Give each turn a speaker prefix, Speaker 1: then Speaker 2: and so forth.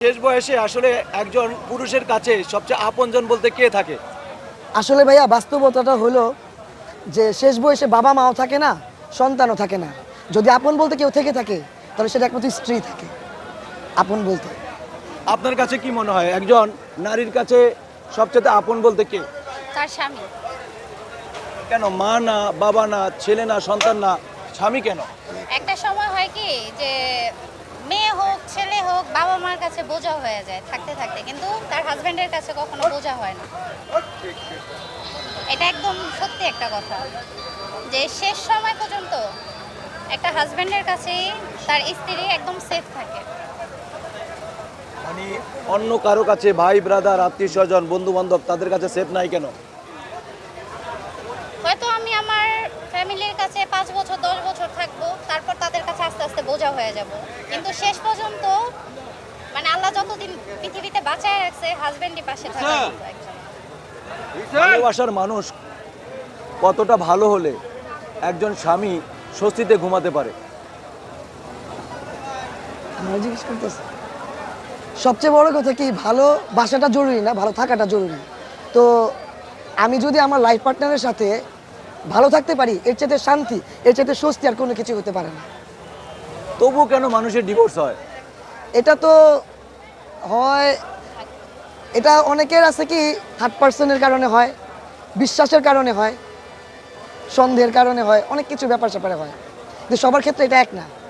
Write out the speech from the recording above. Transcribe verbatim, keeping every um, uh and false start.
Speaker 1: শেষ বয়সে আসলে একজন পুরুষের কাছে সবচেয়ে আপনজন বলতে কে থাকে?
Speaker 2: আসলে ভাইয়া বাস্তবতাটা হলো যে শেষ বয়সে বাবা মাও থাকে না, সন্তানও থাকে না। যদি আপন বলতে কেউ থেকে থাকে তাহলে সেটা একমাত্র স্ত্রী থাকে আপন বলতে।
Speaker 1: আপনার কাছে কি মনে হয় একজন নারীর কাছে সবচেয়ে আপন বলতে কে?
Speaker 3: তার স্বামী।
Speaker 1: কেন মা না, বাবা না, ছেলে না, সন্তান না, স্বামী কেন?
Speaker 3: একটা সময় হয় কি যে মেয়ে হোক ছেলে হোক বাবা মার কাছে বোঝা হয়ে যায় থাকতে থাকতে, কিন্তু তার হাজবেন্ডের কাছে কখনো বোঝা হয় না। এটা একদম সত্যি একটা কথা যে শেষ সময় পর্যন্ত একটা হাজবেন্ডের কাছেই তার স্ত্রী একদম সেফ থাকে।
Speaker 1: মানে অন্য কারো কাছে ভাই ব্রাদার আত্মীয় স্বজন বন্ধু বান্ধব তাদের কাছে সেফ নাই কেন?
Speaker 3: হয়তো আমি আমার ফ্যামিলির কাছে পাঁচ বছর দশ বছর থাকবো, তারপর তাদের কাছে আস্তে আস্তে বোঝা হয়ে যাব, কিন্তু শেষ পর্যন্ত মানে আল্লাহ যতদিন পৃথিবীতে বাঁচায় রাখছে হাজবেন্ডই পাশে থাকা একজন।
Speaker 1: ভালোবাসার মানুষ কতটা ভালো হলে একজন স্বামী স্বস্তিতে ঘুমাতে পারে?
Speaker 2: আমরা জিজ্ঞেস করতেছি সবচেয়ে বড় কথা কি, ভালো বাসাটা জরুরি না, ভালো থাকাটা জরুরি। তো আমি যদি আমার লাইফ পার্টনারের সাথে ভালো থাকতে পারি, এর চাইতে শান্তি, এর চাইতে স্বস্তি আর কোনো কিছু হতে পারে না।
Speaker 1: তবুও কেন মানুষের ডিভোর্স হয়?
Speaker 2: এটা তো হয়, এটা অনেকের আছে কি থার্ড পার্সনের কারণে হয়, বিশ্বাসের কারণে হয়, সন্দেহের কারণে হয়, অনেক কিছু ব্যাপার স্যাপারে হয়, কিন্তু সবার ক্ষেত্রে এটা এক না।